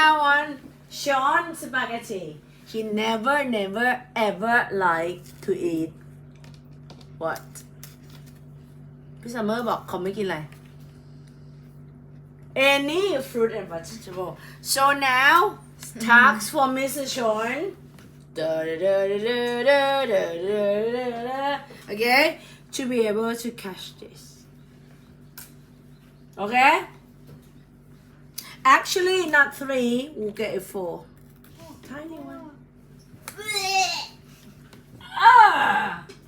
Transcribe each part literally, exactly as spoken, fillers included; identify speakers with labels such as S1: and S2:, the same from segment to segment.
S1: now on Sean spaghetti he never never ever liked to eat what พี่ซัมเมอร์บอกเขาไม่กินอะไร any fruit and vegetable so now tasks for Mister Sean okay to be able to catch this okay actually not three we'll get it four oh, tiny one ah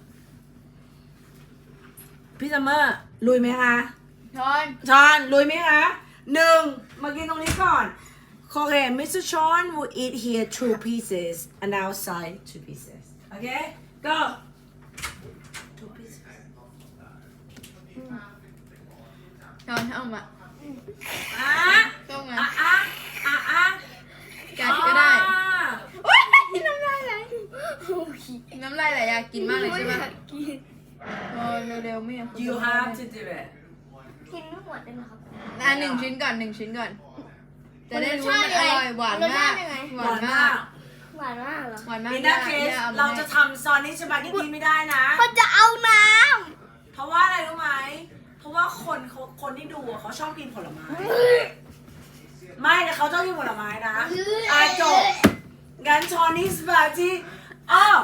S1: พี่ซัมเมอร์ลุยไหมคะชอนชอนลุยไหมคะหนึ่งมากินตรงนี้ก่อนOkay, Mister Sean will eat here two pieces and outside two pieces. Okay, go. Two pieces.
S2: ชอนเอามา
S1: อ่ะ
S2: ต้องมา
S1: อ่ะอ่ะอ่ะอ่ะ
S2: กัดก็ได้
S1: อ่ะ
S2: โอ๊ยน้ำลายไหลน้ำลายไหลอยากกินมากเลยใช่ไหมโอ้เร็วๆไม่อยาก
S1: You have to do it.
S3: กินไม่หมดได้ไหมครับ
S2: อ่ะหนึ่งชิ้นก่อนหนึ่งชิ้นก่อนจะได้รู้มันอร่อยหวานมากหวานมาก
S3: หวานมากเหรอ
S2: หวานมาก
S1: In that case เราจะทำซอนนี่สปาเกตตี้ไม่ได้นะ
S3: มันจะเอาน้
S1: เพราะว่าอะไรรู้ไหม เพราะว่าคนเขาคนที่ดูอะเขาชอบกินผลไม้ ไม่แต่เขาชอบกินผลไม้นะอ่ะจบงั้นชอนนี่สปาเกตตี้อ้าว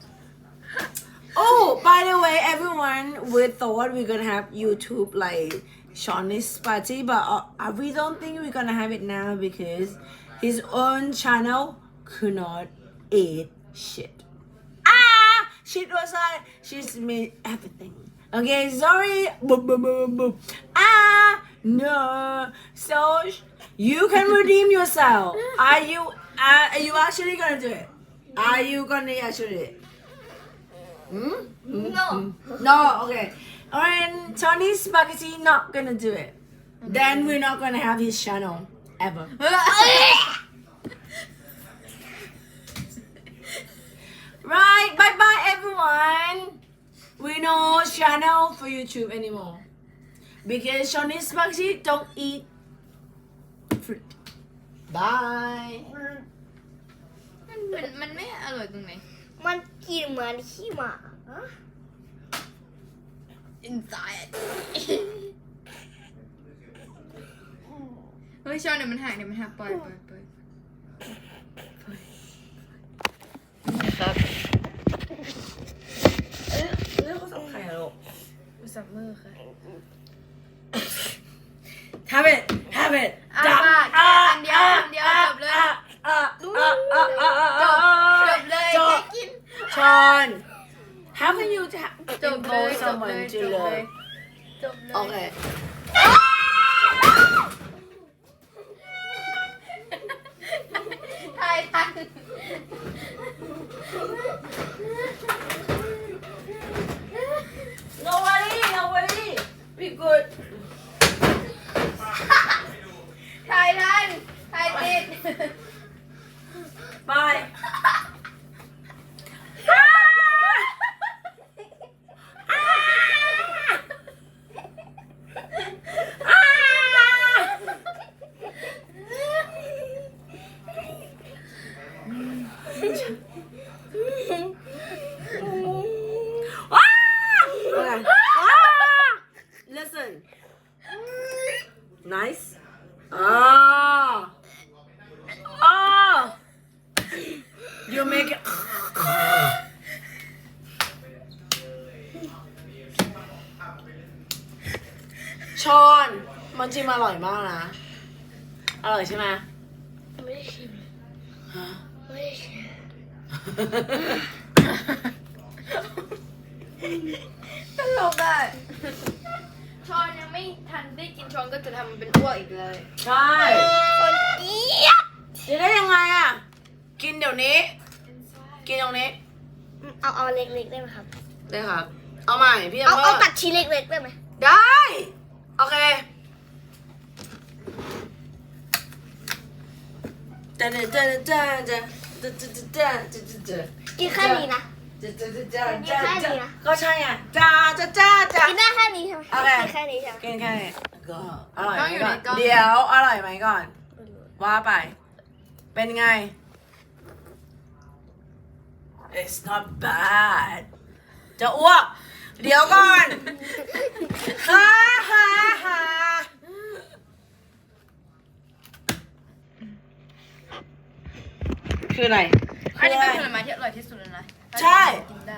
S1: Oh by the way everyone we thought we're gonna have YouTube like Shawnee's party but uh, we don't think we're gonna have it now because his own channel could not eat shit ah shit was like she's made everything okay sorry boop, boop, boop, boop. ah no so you can redeem yourself are you uh, are you actually gonna do it are you gonna actually do it hmm?
S3: ำ no
S1: no okay alright Chinese spaghetti not gonna do it then we're not gonna have his channel ever right bye bye everyone we no channel for YouTube anymore because Chinese spaghetti don't eat fruit bye
S2: มันมันไม่อร่อยตรงไหน
S3: มันกินเหมือนขี้หมาฮะ
S2: inside เฮ้ยชอนเดี๋ยวมันหักเดี๋ยวมันหักปล่อยปล่อยปล่อยนะครับ
S1: เอ๊ะเรื่องเขาสับไข่อะลูก
S2: ซัมเมอร์ค่ะ
S1: have it have it
S2: อ่ะ
S1: จับ
S2: มาแค่อันเดียวอันเดียวจบเลย
S1: อ่ะอ่ะอ่ะอ่ะอ่ะอ่ะ
S2: จบ
S1: อ่ะ
S2: จบเลย
S1: จบ
S2: แค่กิน
S1: ชอน how can you ta-
S2: จบเลย
S1: impose
S2: จบเล
S1: someone
S2: ย
S1: to
S2: จบเลย
S1: learn
S2: จบเลย
S1: okay
S2: ทายทัน
S1: no worry no worry be good
S2: ทายทันทายติด
S1: bye ว้า okay. ah! Listen nice ah ah you make it ชอนมันจริงอร่อยมากนะ อร่อยใช่ไหม
S3: ไม่ได้ชิม
S1: ฮะ
S3: ไม่ได้ชิม
S2: ตลกอ่ะชอนยังไม่ทันได้กินชอนก็จะทำมันเป็นอ้วกอีกเลย
S1: ใช่
S3: คนเจี๊ยบ
S1: จะได้ยังไงอ่ะ กินเดี๋ยวนี้ กินตรงนี้
S3: เอาเอาเล็กๆได้ไหมครับ
S1: ได้ครับ เอาใหม่พี่
S3: เอา
S1: พ่
S3: เอาตัดชิ้นเล็กๆได้ไหม
S1: ได้ โอเคเจเจเจเจเจเจเจเจเจเจเจ
S3: กินแค่นี้นะ
S1: เจเจเจเจ
S3: กินแค่นี้นะ
S1: ก็ใช่ไงจ้าจ้าจ้าจ้า
S3: กินได้แค่นี้ใช่ไหม
S1: โอเค
S3: กินแค่นี้ใช่ไหม
S1: กินแค่นี้ก็อร่อยไหม
S2: ต้องอยู่
S1: ก่
S2: ใน
S1: อน
S2: กล้อง
S1: เดี๋ยวอร่อยไหมก่อน ว่าไปเป็นไง It's not bad จะอ้วก เดี๋ยวก่อน ฮ่าฮ่าฮ่าคืออะไร
S2: อันนี้
S1: คื
S2: เป็น
S1: อ
S2: ผ
S1: อะไร
S2: ลไม้ที่อร่อยที่สุดแล้วนะ
S1: ใช่
S2: กินได้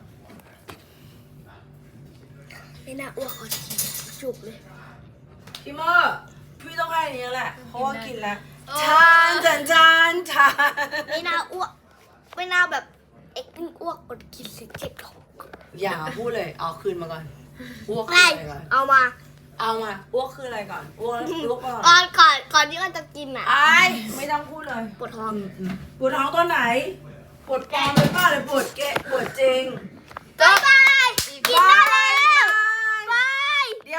S3: ไม่น่าอ้วกเอาจุกเลย
S1: พี่เมอร์พี่ต้องให้อันนี้แหละ เพราะว่ากินแล้วทานจานจานทาน
S3: ไม่น่าอ้วก ไม่น่าแบบเอ็กซ์อ้วกกดกินเสร็จเจ็บท้อง
S1: อย่าพูดเลย เอาคืนมาก่อน อ้วกคือ
S3: ไม่
S1: อะไรก่อน
S3: เอามา
S1: เอามา อ้วกคืออะไรก่อน อ้วกอ้วกก่อน
S3: ก่อนก่อนก่อนที่มันจะกินอ่ะ
S1: ไอ้ไม่ต้องพูดเลย
S3: ปวดท้อง
S1: ปวดท้องตัวไหน ปวดปลอมหรือเปล่าหรือปวดเกะปวดจริง
S3: บ๊ายบายกินได้